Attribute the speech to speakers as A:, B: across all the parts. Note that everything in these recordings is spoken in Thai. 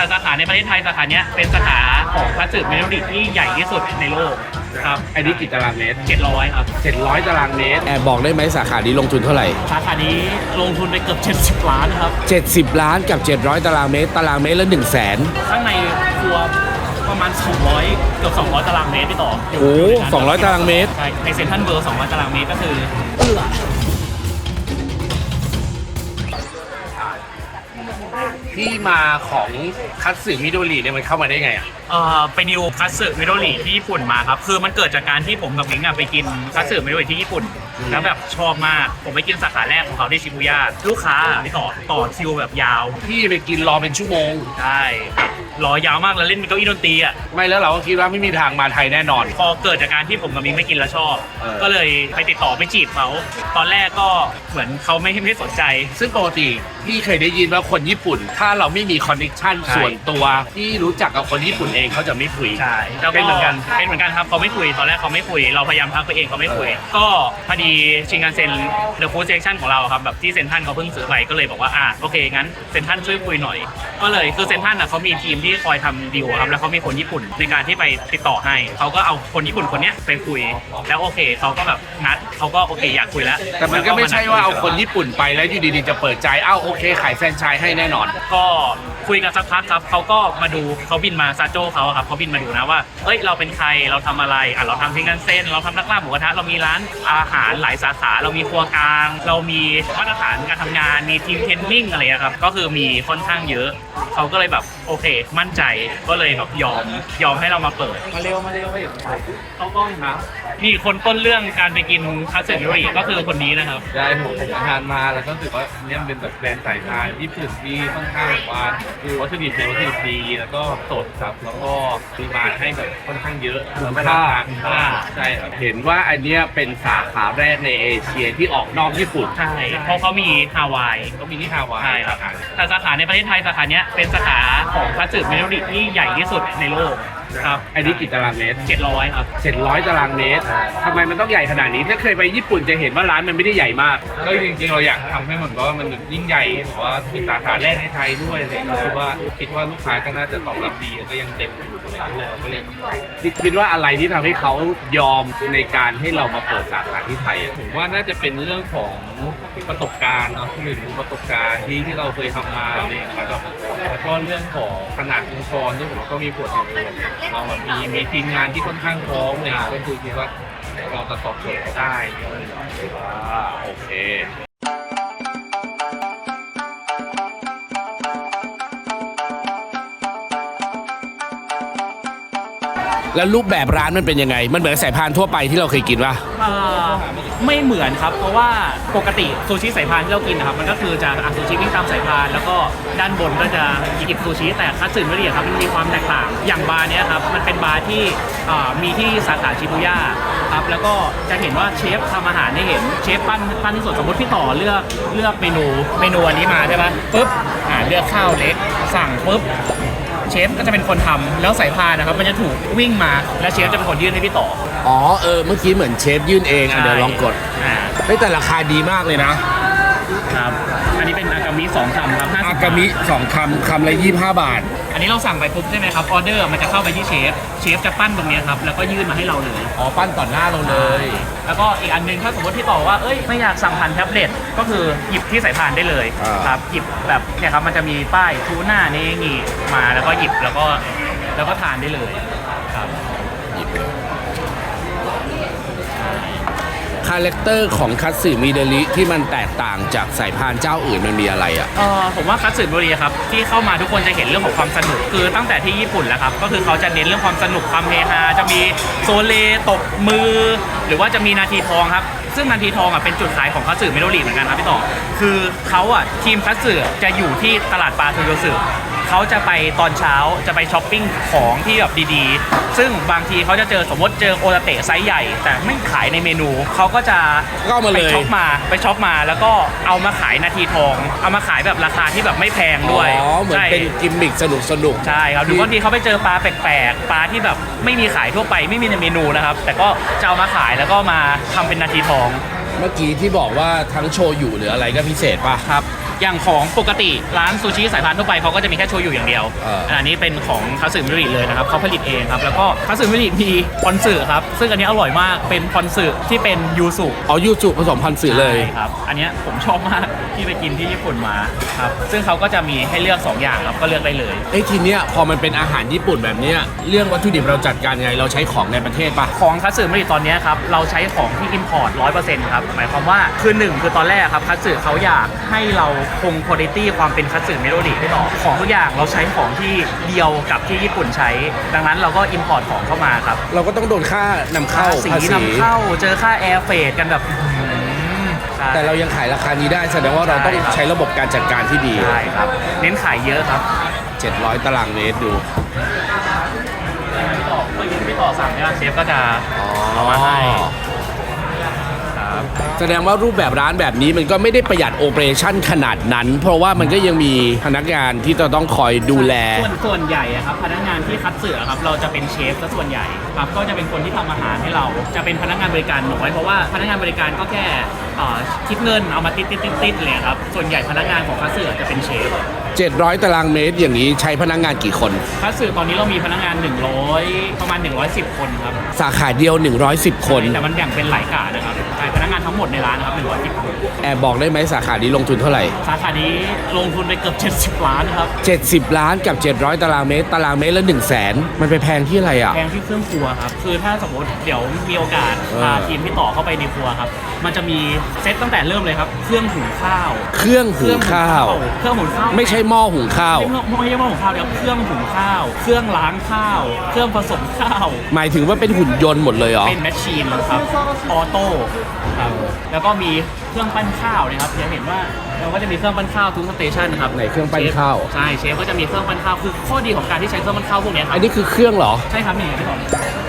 A: แต่สาขาในประเทศไทยสาขาเนี้ยเป็นสาขาของคัตสึเมโลดิที่ใหญ่ที่สุดในโลกครับ
B: อันนี้กี่ตารางเมตร
A: 700ครับ
B: 700ตารางเมตร
C: แอบบอกได้ไหมสาขานี้ลงทุนเท่าไหร่
A: สาขานี้ลงทุนไปเกือบ70 ล้านครับ
C: 70 ล้านกับ700ตารางเมตรตารางเมตรละ100,000
A: ข้างในครัวประมาณ200เกือบ200ตารางเมตรพี่ต่อ
C: โอ้200ตารางเมตร
A: ใช่ในเซ็นทรัลเวิลด์200ตารางเมตรก็คือ
B: ที่มาของคัตสึมิโดริเนี่ยมันเข้ามาได้ไงอ่ะ
A: ไปดิวคัตสึมิโดริที่ญี่ปุ่นมาครับคือมันเกิดจากการที่ผมกับมิงไปกินคัตสึมิโดริที่ญี่ปุ่นแล้วแบบชอบมากผมไปกินสาขาแรกของเขาที่ชิบูย่าลูกค้าไม่ต่อคิวแบบยาว
B: พี่ไปกินรอเป็นชั่วโมง
A: ใช่รอยาวมากแล้วเล่นเป็นเก้าอี้ดนตรีอ่ะ
B: ไม่แล้วเราก็คิดว่าไม่มีทางมาไทยแน่นอน
A: พอเกิดจากการที่ผมกับมิงไม่กินแล้วชอบก็เลยไปติดต่อไปจีบเขาตอนแรกก็เหมือนเขาไม่สนใจ
B: ซึ่งปกติพี่เคยได้ยินว่าคนญี่ปุ่นถ้าเราไม่มีคอนเนคชั่นส่วนตัวที่รู้จักกับคนญี่ปุ่นเองเขาจะไม่คุย
A: ใช่เป็นเหมือนกันครับเขาไม่คุยตอนแรกเขาไม่คุยเราพยายามทักไปเองเขาไม่คุยก็พอดีชิงกันเซ็นเดอะฟู้ดเซคชั่นของเราครับแบบที่เซ็นทรัลเขาเพิ่งซื้อไปก็เลยบอกว่าโอเคงั้นเซ็นทรัลช่วยคุยหน่อยก็เลยคือเซ็นทรัลเขามีทีมที่คอยทำดีลครับแล้วเขามีคนญี่ปุ่นในการที่ไปติดต่อให้เขาก็เอาคนญี่ปุ่นคนนี้ไปคุยแล้วโอเคเขาก็แบบนัดเขาก็โอเคอยากคุยแล้ว
B: แต่มันก็ไม่ใช่ว่าเอาคนญี่ปุ่นไปแล้วอยู่ดีๆจะเปิดใจโอเคขายแฟรนไชส์ให้แน่นอน
A: ก็คุยกันสักพักครับเขาก็มาดูเขาบินมาซาโจ้เขาครับเขาบินมาดูนะว่าเราเป็นใครเราทำอะไรเราทำชิงกันเซ็นเราทำนักล่าหมูกระทะเรามีร้านอาหารหลายสาขาเรามีครัวกลางเรามีมาตรฐานการทำงานมีทีมเทรนนิ่งอะไรครับก็คือมีค่อนข้างเยอะเขาก็เลยแบบโอเคมั่นใจก็เลยแบบยอมให้เรามาเปิดมาเร็วเขากล้องนะนี่คนต้นเรื่องการไปกินคัตสึมิโดริก็คือคนนี้นะครับ
D: ได้ผมทานมาแล้วก็รู้สึกว่าเนี่ยเป็นแบบแบรนด์สายพานญี่ปุ่นที่ค่อนข้างว่าคือวัตถุดิบเป็นวัตถุดิบดีแล้วก็สดครับแล้วก็ปริมาณให้แบบค่อนข้างเยอะ
B: คุณค่า
D: ใช่ครับ
B: เห็นว่าอันเนี้ยเป็นสาขาแรกในเอเชียที่ออกนอกญี่ปุ่น
A: ใช่เพราะเขามีฮาวาย
D: ก็มีที่ฮาวาย
A: ใช่ครับแต่สาขาในประเทศไทยสาขาเนี้ยเป็นสาขาของคัตสึเมโลดิที่ใหญ่ที่สุดในโลกครับ
B: อันนี้กี่ตารางเมตร
A: 700ครับ
B: 700ตารางเมตรทำไมมันต้องใหญ่ขนาดนี้ถ้าเคยไปญี่ปุ่นจะเห็นว่าร้านมันไม่ได้ใหญ่มาก
D: ก็จริงๆเราอยากทำให้เหมือนว่ามันยิ่งใหญ่เพราะว่าเป็นสาขาแรกในไทยด้วยเลยคือว่าคิดว่าลูกค้าก็น่าจะตอบรับดีก็ยังเต็มอยู่เลยก็เลย
B: คิดว่าอะไรที่ทำให้เขายอมในการให้เรามาเปิดสาขาที่ไทย
D: ผมว่าน่าจะเป็นเรื่องของประสบการณ์เนาะหนึ่งประสบการณ์ที่เราเคยทำมาเนี่ยครับแล้วก็เรื่องของขนาดองค์กรที่ผมก็มีผลเรามีทีมงานที่ค่อนข้างพร้อมเนี่ยก็คือคิดว่าเราจะตอบโจทย์ได้
B: โอเค
C: แล้วรูปแบบร้านมันเป็นยังไงมันเหมือนสายพานทั่วไปที่เราเคยกินป่ะ
A: ไม่เหมือนครับเพราะว่าปกติซูชิสายพานที่เรากินนะครับมันก็คือจะซูชิวิ่งตามสายพานแล้วก็ด้านบนก็จะหยิบซูชิแต่คัตสึมิโดริครับมันมีความแตกต่างอย่างบาร์เนี้ยครับมันเป็นบาร์ที่มีที่สาขาชิบูย่าครับแล้วก็จะเห็นว่าเชฟทำอาหารให้เห็นเชฟปั้นที่สุดสมมติพี่ต่อเลือกเมนูอันนี้มาใช่ปะปุ๊บเลือกข้าวเล็กสั่งปุ๊บเชฟก็จะเป็นคนทำแล้วสายพานนะครับมันจะถูกวิ่งมาแล้วเชฟจะเป็นคนยื่นให้พี่ต่อ
C: เมื่อกี้เหมือนเชฟยื่นเองเดี๋ยวลองกดแต่ราคาดีมากเลยนะครับ
A: อันนี้เป็นอากามิ2 คำครับ
C: อากามิ2 คำละ25 บาท
A: อันนี้เราสั่งไปปุ๊บใช่ไหมครับออเดอร์มันจะเข้าไปที่เชฟจะปั้นตรงนี้ครับแล้วก็ยื่นมาให้เราเลย
C: ปั้นต่อหน้าเราเลย
A: แล้วก็อีกอันนึงถ้าสมมติที่ต่อว่าไม่อยากสั่งผ่านแท็บเล็ตก็คือหยิบที่สายพานได้เลยครับหยิบแบบเนี่ยครับมันจะมีป้ายทูน่าเนงิมาแล้วก็หยิบแล้วก็ทานได้เลยครับ
C: คาแรคเตอร์ของคัตสึมิโดริที่มันแตกต่างจากสายพานเจ้าอื่นมันมีอะไร
A: ผมว่าคัตสึมิโดริครับที่เข้ามาทุกคนจะเห็นเรื่องของความสนุกคือตั้งแต่ที่ญี่ปุ่นแล้วครับก็คือเขาจะเน้นเรื่องความสนุกความเฮฮาจะมีโซเลตบมือหรือว่าจะมีนาทีทองครับซึ่งนาทีทองเป็นจุดขายของคัตสึมิโดริเหมือนกันครับพี่ต่อคือเขาทีมคัตสึจะอยู่ที่ตลาดปลาโทโยสึเขาจะไปตอนเช้าจะไปช้อปปิ้งของที่แบบดีๆซึ่งบางทีเขาจะสมมติเจอโอตาเตะไซส์ใหญ่แต่ไม่ขายในเมนูเขาก็จะไปช็อปมาแล้วก็เอามาขายนาทีทองเอามาขายแบบราคาที่แบบไม่แพงด้วย
C: เหมือนเป็นกิมมิคสนุก
A: ใช่ครับหรือบางทีเขาไปเจอปลาแปลกๆปลาที่แบบไม่มีขายทั่วไปไม่มีในเมนูนะครับแต่ก็จะเอามาขายแล้วก็มาทำเป็นนาทีทอง
C: เมื่อกี้ที่บอกว่าทั้งโชยุหรืออะไรก็พิเศษป่ะ
A: ครับอย่างของปกติร้านซูชิสายพานทั่วไปเขาก็จะมีแค่โชยุอย่างเดียว อันนี้เป็นของคัตสึมิโดริเลยนะครับเขาผลิตเองครับแล้วก็คัตสึมิโดริมีพอนสึครับซึ่งอันนี้อร่อยมากเป็นพอนสึที่เป็นยูสุ
C: อ๋อยูสุผสมพันธุ์สื่อเลย
A: ใช่ครับอันเนี้ยผมชอบมากที่ไปกินที่ญี่ปุ่นมาครับซึ่งเขาก็จะมีให้เลือก2อย่างครับก็เลือกได้เลย
C: ทีเนี้ยพอมันเป็นอาหารญี่ปุ่นแบบเนี้ยเรื่องวัตถุดิบเราจัดการยังไงเราใช้ของในประเทศปะ
A: ของคัตสึมิโดริตอนเนี้ยครับเราใช้ของที่ import 100%ครับหมายความว่าคือหนึ่งคือตอนแรกครับคัตสึเขาอยากให้เราคงคุณภาพความเป็นคัตสึมิโดริได้ต่อของทุกอย่างเราใช้ของที่เดียวกับที่ญี่ปุ่นใช้ ดังนั้นเราก็ import ของเข้ามาครับ
C: เราก็ต้องโดนค่านำเข้า
A: สี
C: ภาษี
A: นำเข้าเจอค่าแอร์เฟรกันแบบใช่
C: แต่เรายังขายราคานี้ได้แสดงว่าเราต้องใช้ระบบการจัดการที่ดี
A: ใช่ครับเน้นขายเยอะครับ
C: 700 ตารางเมตรดู
A: พี่ต่อสั่งเนี่ยเชฟก็จะเอามาให้ครับ
C: แสดงว่ารูปแบบร้านแบบนี้มันก็ไม่ได้ประหยัดโอเปอเรชั่นขนาดนั้น เพราะว่ามันก็ยังมีพนักงานที่จะต้องคอยดูแล
A: ส่วนใหญ่อะครับพนักงานที่คัดเสือครับเราจะเป็นเชฟซะส่วนใหญ่ครับก็จะเป็นคนที่ทำอาหารให้เราจะเป็นพนักงานบริการน้อยเพราะว่าพนักงานบริการก็แค่คิดเงินเอามาติดเลยครับส่วนใหญ่พนักงานของคัดเสือจะเป็นเชฟ
C: 700 ตารางเมตรอย่างนี้ใช้พนักงานกี่คน
A: คัดเสือตอนนี้เรามีพนักงาน100ประมาณ110 คนครับ
C: สาขาเดียว 110 คน
A: แต่มันแบ่งเป็นหลายกะนะครับใช่พนักงานทั้งหมดในร้านนะครับ110 คน
C: แอบบอกได้ไหมสาขานี้ลงทุนเท่าไหร่
A: สาขานี้ลงทุนไปเกือบ70 ล้านครับ
C: 70 ล้านกับ 700 ตารางเมตร ตารางเมตรละ 100,000 มันไปแพงที่อะไรอ่ะ
A: แพงที่เครื่องครัวครับ คือถ้าสมมติเดี๋ยวมีโอกาสพาทีมพี่ต่อเข้าไปในครัวครับ มันจะมีเซตตั้งแต่เริ่มเลยครับ เครื่องหุงข้าว
C: เครื่องหุงข้าว
A: เครื่องหุงข้าว
C: ไม่ใช่หม้อหุงข้าว
A: ไม่ใช่หม้อหุงข้าวเดี๋ยวเครื่องหุงข้าว เครื่องล้างข้าว เครื่องผสมข้าว
C: หมายถึงว่าเป็นหุ่นยนต์หมดเลยเหรอ
A: เป็นแมชชีนครับ ออโต้ครับ แล้วก็มีเครื่องปั้นข้าวนะครับจะเห็นว่าเราก็จะมีเครื่องปั้นข้าวทุกสเตชันนะครับ
C: ไหนเครื่องปั้นข้าว
A: ใช่ เชฟก็จะมีเครื่องปั้นข้าว คือข้อดีของการที่ใช้เครื่องปั้นข้าวพวกเนี้ยครับ
C: อันนี้คือเครื่องเหรอ
A: ใช่ครับนี่พี่ต่อ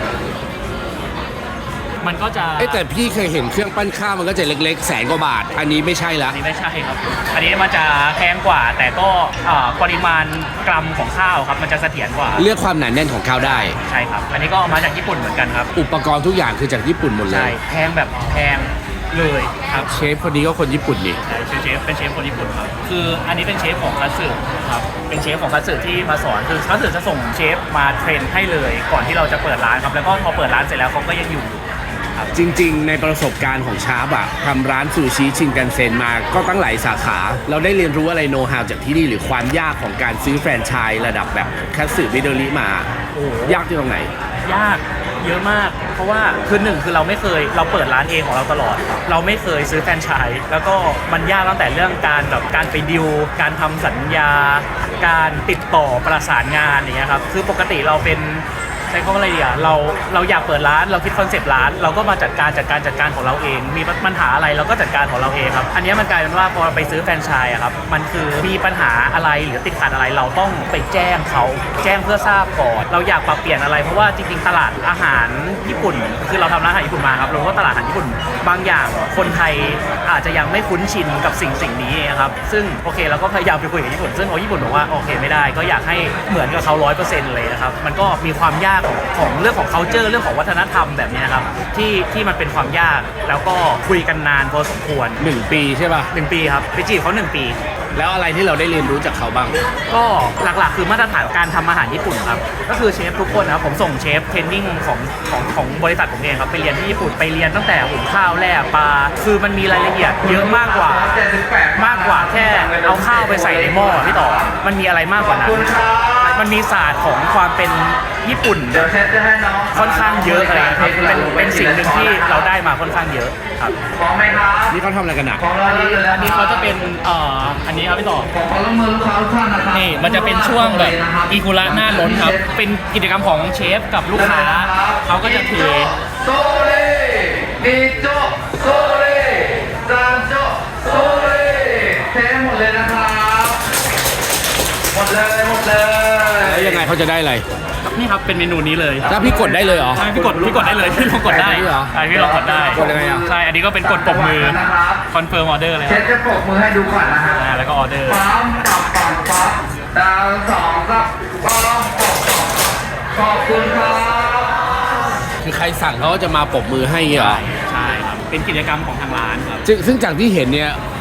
A: มันก็จะ
C: แต่พี่เคยเห็นเครื่องปั้นข้าวมันก็จะเล็กๆ100,000 กว่าบาท อันนี้ไม่ใช่ละ
A: อันนี้ไม่ใช่ครับ อันนี้มันจะแพงกว่า แต่ก็ปริมาณกรัมของข้าวครับ มันจะเสถียรกว่า
C: เลือกความหนาแน่นของข้าวได้
A: ใช่ครับ อันนี้ก็เอามาจากญี่ปุ่นเหมือนกันครับ
C: อุปกรณ์ทุกอย่างคือจากญี่ปุ่นหมดเล
A: ใช่
C: ย
A: แพงแบบแพงเลยครับ
C: เชฟคนนี้ก็คนญี่ปุ่นนี่
A: ใช่เป็นเชฟคนญี่ปุ่นครับ คืออันนี้เป็นเชฟของคัตสึครับ เป็นเชฟของคัตสึที่มาสอน คือคัตสึจะส่งเชฟมาเทรนให้เลย ก่อนที่เราจะเปิดร้านครับ แล้วก็พอเปิดร้านเสร็จแล้วเขาก็ยังอยู่ครับ
C: จริงๆ ในประสบการณ์ของชาร์ปอะทำร้านซูชิชินกันเซ็นมาก็ตั้งหลายสาขา เราได้เรียนรู้อะไรโน้ตฮาวจากที่นี่หรือความยากของการซื้อแฟรนไชส์ระดับแบบคัตสึมิโดริมา
A: โอ้
C: ยากที่ตรงไหน
A: ยากเยอะมาก เพราะว่าคือหนึ่งคือเราไม่เคยเราเปิดร้านเองของเราตลอด เราไม่เคยซื้อแฟรนไชส์แล้วก็มันยากตั้งแต่เรื่องการแบบการไปดิวการทำสัญญา การติดต่อประสานงานอย่างเงี้ยครับคือปกติเราเป็นใช้คำว่าอะไรดีอ่ะเราอยากเปิดร้านเราคิดคอนเซปต์ร้านเราก็มาจัดการของเราเอง มีปัญหาอะไรเราก็จัดการของเราเองครับอันนี้มันกลายเป็นว่าพอเราไปซื้อแฟรนไชส์อะครับมันคือมีปัญหาอะไรหรือติดขัดอะไรเราต้องไปแจ้งเขาแจ้งเพื่อทราบก่อนเราอยากปรับเปลี่ยนอะไรเพราะว่าจริงๆตลาดอาหารญี่ปุ่นคือเราทำร้านอาหารญี่ปุ่นมาครับเรารู้ว่าตลาดอาหารญี่ปุ่นบางอย่างคนไทยอาจจะยังไม่คุ้นชินกับสิ่งนี้ครับซึ่งโอเคเราก็พยายามไปคุยกับญี่ปุ่นซึ่งญี่ปุ่นบอกว่าโอเคไม่ได้ก็อยากให้เหมือนกับเขา 100% เลยนะครับมันก็มีความยากของเรื่องของ culture เรื่องของวัฒนธรรมแบบนี้ครับที่มันเป็นความยากแล้วก็คุยกันนานพอสมควร
C: 1 ปีใช่ป่ะ
A: 1 ปีครับไปจีบเขา1 ปี
C: แล้วอะไรที่เราได้เรียนรู้จากเขาบ้าง
A: ก็หลักๆคือมาตรฐานการทำอาหารญี่ปุ่นครับก็คือเชฟทุกคนนะครับผมส่งเชฟเทรนนิ่งของบริษัทผมเองครับไปเรียนที่ญี่ปุ่นไปเรียนตั้งแต่หุงข้าวแล่ปลาคือมันมีรายละเอียดเยอะมากกว่าแค่เอาข้าวไปใส่ในหม้อพี่ต่อมันมีอะไรมากกว่านั้นมันมีศาสตร์ของความเป็นญี่ปุ่นค่อนข้างเยอะอะไรเป็นสิ่งหนึ่งที่เราได้มาค่อนข้างเยอะครับ
C: นี่เขาทำอะไรกันอ่ะ
A: อันนี้เขาจะเป็นอันนี้ครับพี่ต่อนี่มันจะเป็นช่วงแบบอีกุระหน้าล้นครับเป็นกิจกรรมของเชฟกับลูกค้าเขาก็จะเท
E: โซเลนิโจโซเลซานโจโซเลเทหมดเลยนะครับหมดเลย
C: แล้วยังไงเขาจะได้อะไร
A: นี่ครับเป็นเมนูนี้เลย
C: แล้วพี่กดได้เลยเหรอ
A: ใช่พี่กดได้เลยพี่ลองกดได้
C: ได้ด้วยเหรอ
A: ใช่พี่ลองกดได้
C: กดยังไงอ่ะ
A: ใช่อันนี้ก็เป็นกดปรบมือคอนเฟิร์มออเดอร์เลย
E: เช
A: ครั
E: ฟ
A: บ
E: จะปรบมือให้ดูก่อนนะฮะ
A: แล้วก็ออเดอร์
E: ปั๊มปับปับปั๊บดาว2ครับปั๊มปับปับขอบคุณครับ
C: คือใครสั่งเขาก็จะมาปรบมือให้อย่างเงี้ยเหรอ
A: ใช่ครับเป็นกิจกรรมของทางร้านครับ
C: ซึ่งจากที่เห็นเนี่ย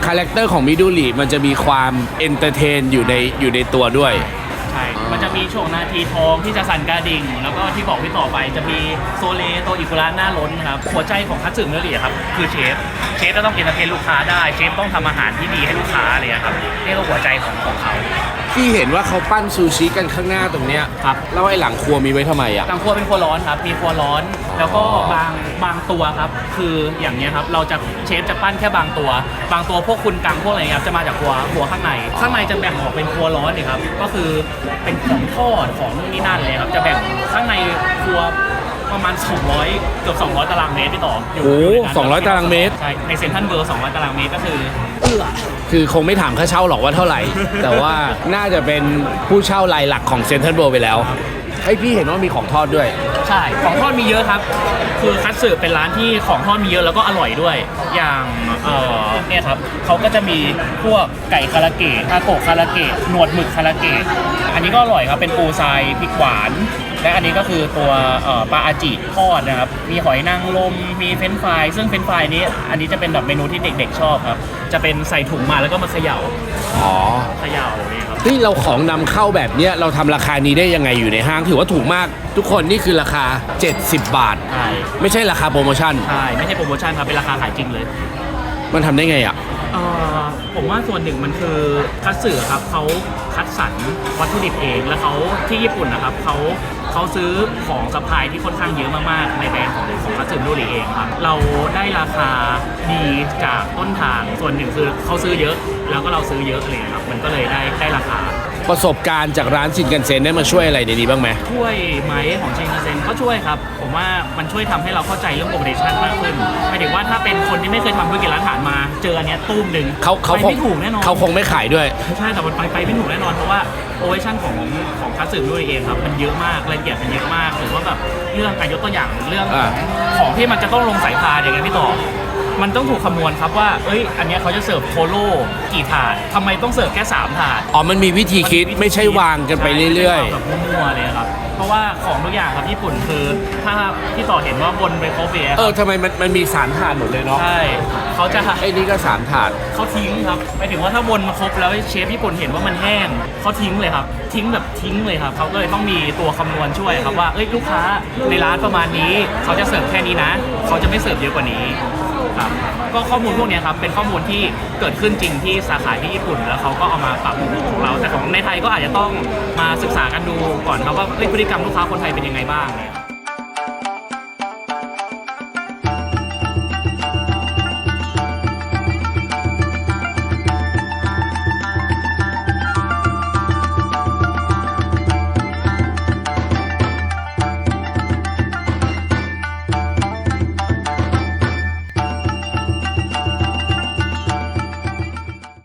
C: คาแรคเตอร์ของมิดูริมันจะมีความเอนเตอร์เทนอยู่ในตัวด้วย
A: ใช่ มันจะมีช่วงนาทีทองที่จะสั่นกระดิ่ง แล้วก็ที่บอกพี่ต่อไปจะมีโซเลโตอิกุระหน้าล้นครับ หัวใจของคัตสึเนื้อเหลี่ยครับ คือเชฟจะต้องเอนเตอร์เทนลูกค้าได้ เชฟต้องทำอาหารที่ดีให้ลูกค้าอะไรอย่างเลยครับ นี่ก็หัวใจของเขา
C: ที่เห็นว่าเขาปั้นซูชิกันข้างหน้าตรงเนี้ย
A: ครับ
C: แล้วไอ้หลังครัวมีไว้ทำไมอ่ะ
A: ทางครัวเป็นครัวร้อนครับ มีครัวร้อน แล้วก็บางตัวครับ คืออย่างเนี้ยครับ เราจะเชฟจะปั้นแค่บางตัว บางตัวพวกคุณกังพวกอะไรเงี้ยครับจะมาจากครัวข้างใน ข้างในจะแบ่งออกเป็นครัวร้อนเลยครับ ก็คือเป็นของทอดของนู่นนี่นั่นเลยครับ จะแบ่งข้างในครัวประมาณ200เกือบ200ตารางเมตรพี่ต่ออยู่
C: โอ้
A: ยู่ในนั้น
C: 200ตารางเมตร
A: ใช่ ในเซ็นทรัลเวิลด์200ตารางเมตรก็คือ
C: คือคงไม่ถามค่าเช่าหรอกว่าเท่าไหร่ แต่ว่าน่าจะเป็นผู้เช่ารายหลักของเซ็นทรัลเวิลด์ไปแล้วไอ้ยพี่เห็นว่ามีของทอดด้วย
A: ใช่ ของทอดมีเยอะครับ คือคัตสึเป็นร้านที่ของทอดมีเยอะแล้วก็อร่อยด้วย อย่างเนี่ยครับเขาก็จะมีพวกไก่คาราเกะทาโกะคาราเกะหนวดหมึกคาราเกะอันนี้ก็อร่อยครับ เป็นปูทรายพริกหวาน และอันนี้ก็คือตัวปลาอาจิทอดนะครับ มีหอยนางรม มีเฟรนช์ฟราย ซึ่งเฟรนช์ฟรายนี้ อันนี้จะเป็นแบบเมนูที่เด็กๆชอบครับ จะเป็นใส่ถุงมาแล้วก็มาเขย่า
C: อ๋อ
A: เขย่านี่ครับ
C: ที่เราของนำเข้าแบบเนี้ยเราทำราคานี้ได้ยังไงอยู่ในห้างถือว่าถูกมาก ทุกคนนี่คือราคา 70 บาท
A: ใช่
C: ไม่ใช่ราคาโปรโมชั่น
A: ใช่ ไม่ใช่โปรโมชั่นครับ เป็นราคาขายจริงเลย
C: มันทำได้ไงอ่ะ
A: ผมว่าส่วนหนึ่งมันคือคัตสึครับเขาคัดสรรวัตถุดิบเองแล้วเขาที่ญี่ปุ่นนะครับเขาซื้อของซัพพลายที่ค่อนข้างเยอะมากๆในแบรนด์ของคัตสึโดริเองครับเราได้ราคาดีจากต้นทางส่วนหนึ่งคือเขาซื้อเยอะแล้วก็เราซื้อเยอะเลยครับมันก็เลยได้ราคา
C: ประสบการณ์จากร้านชินกันเซ็นได้มาช่วยอะไรในนี้บ้างไหม
A: ช่วยไหมของชินคันเซ็นก็ช่วยครับผมว่ามันช่วยทำให้เราเข้าใจเรื่องโปรโมชั่นมากขึ้นหมายถึงว่าถ้าเป็นคนที่ไม่เคยทำธุรกิจร้านอาหารมาเจออันเนี้ยตุ้มหนึ่ง
C: เขา
A: ไปไม่ถูกแน่นอน
C: เขาคงไม่ขายด้วย
A: ใช่แต่มันไปไม่ถูกแน่นอนเพราะว่าโอเวอร์ชั่นของคัตสึด้วยเองครับมันเยอะมากรายละเอียดมันเยอะมากหรือว่าแบบเรื่องการยกตัวอย่างเรื่อง ของที่มันจะต้องลงสายพานอย่างเงี้ยพี่ต่อมันต้องถูกคำนวณครับว่าเอ้ยอันเนี้ยเขาจะเสิร์ฟโคโล่กี่ถาดทำไมต้องเสิร์ฟแค่3ถาด
C: อ๋อ มันมีวิธีคิดไม่ใช่วางกันไปเรื่อย
A: ๆแบบมั่วๆเลยครับเพราะว่าของทุกอย่างครับญี่ปุ่นคือถ้าพี่ต่อเห็นว่าบนไปครบเบีย
C: ๆ ทำไมมันมี3ถาดหมดเลยเนาะ
A: ใช่เขาจะ
C: ไอ้นี่ก็3ถาด
A: เขาทิ้งครับหมายถึงว่าถ้าบนมาครบแล้วเชฟญี่ปุ่นเห็นว่ามันแห้งเขาทิ้งเลยครับทิ้งแบบทิ้งเลยครับเขาก็เลยต้องมีตัวคำนวณช่วยครับว่าเอ้ยลูกค้าในร้านประมาณนี้เขาจะเสิร์ฟแค่นี้นะเขาจะไม่เสิร์ฟเยอะกว่านี้ครับก็ข้อมูลพวกเนี้ยครับเป็นข้อมูลที่เกิดขึ้นจริงที่สาขาที่ญี่ปุ่นแล้วเขาก็เอามาปรับของเราแต่ของในไทยก็อาจจะต้องมาศึกษากันดูก่อนครับว่าเอ้ยพฤติกรรมลูกค้าคนไทยเป็นยังไงบ้างเนี่ย